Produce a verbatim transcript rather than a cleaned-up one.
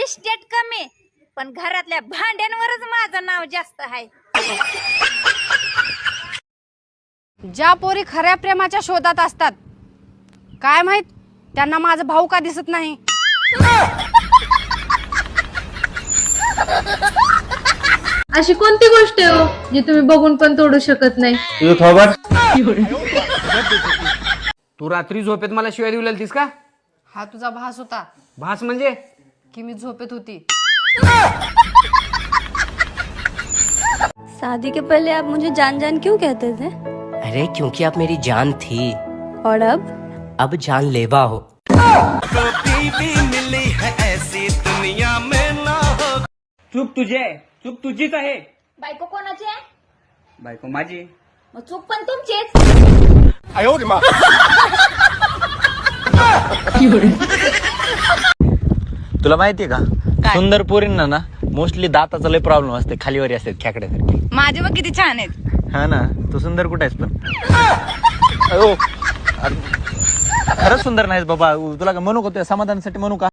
Estate कमी पण घरातल्या भांड्यांवरच माझं नाव जास्त आहे. ज्या पोरी खऱ्या प्रेमाच्या शोधात असतात काय माहित त्यांना माझा भाऊ का दिसत नाही. अशी कोणती गोष्ट आहे हो जी तुम्ही बघून पण तोडू शकत नाही. तुझं थोबड. तू रात्री झोपेत मला शिवाय देऊ लागलीस का? हा तुझा भास होता भास म्हणजे की मी झोपेत होती. शादी के पहले आप मुझे जान जान क्यों कहते थे? अरे क्योंकि आप मेरी जान थी और अब अब जान लेवा हो. चूक तुझी आहे, चूक तुझीच आहे. बायको कोणाची आहे? बायको माझी. मग चूक पण तुमचीच. तुला माहितीये का सुंदर पोरींना ना मोस्टली दाताचा लय प्रॉब्लेम असते, खालीवरी असते खेकड्यासारखे. माझे बघ किती छान आहेत. हा ना तू सुंदर कुठे आहेस पण. अयो, अरे, खरंच सुंदर नाहीस बाबा. तुला का म्हणू का तुझ्या समाधानासाठी म्हणू का?